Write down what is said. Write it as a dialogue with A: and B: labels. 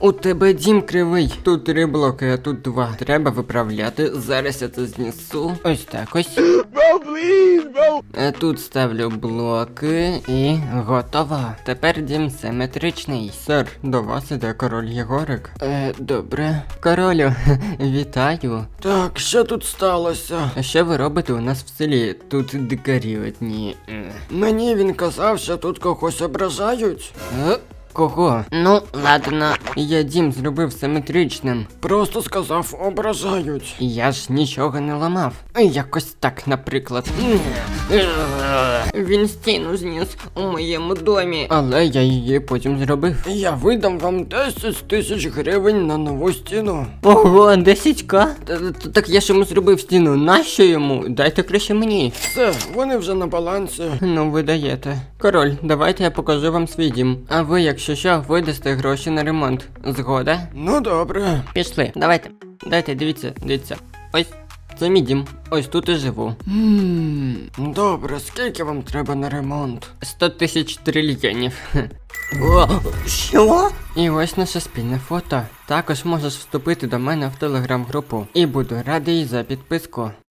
A: У тебе дім кривий. Тут 3 блоки, а тут 2. Треба виправляти. Зараз я це знесу. Ось так ось. Тут ставлю блоки і готово. Тепер дім симетричний. Сер, до вас іде король Єгорик. Добре. Королю, вітаю. Так, що тут сталося? А що ви робите у нас в селі? Тут дикарі одні. Мені він казав, що тут когось ображають. Кого? Ну, ладно. Я дім зробив симетричним. Просто сказав, ображають. Я ж нічого не ламав. Якось так, наприклад. Він стіну зніс у моєму домі. Але я її потім зробив. Я видам вам 10 тисяч гривень на нову стіну. Ого, 10к? Так я ж йому зробив стіну. Нащо йому? Дайте краще мені. Все, вони вже на балансі. Ну, ви даєте. Король, давайте я покажу вам свій дім. А ви, якщо що, видасте гроші на ремонт. Згода? Ну добре. Пішли, давайте. Дайте, дивіться. Ось. Це мій дім. Ось тут і живу. Добре, скільки вам треба на ремонт? 100 тисяч трильйонів. О, що? І ось наше спільне фото. Також можеш вступити до мене в телеграм-групу. І буду радий за підписку.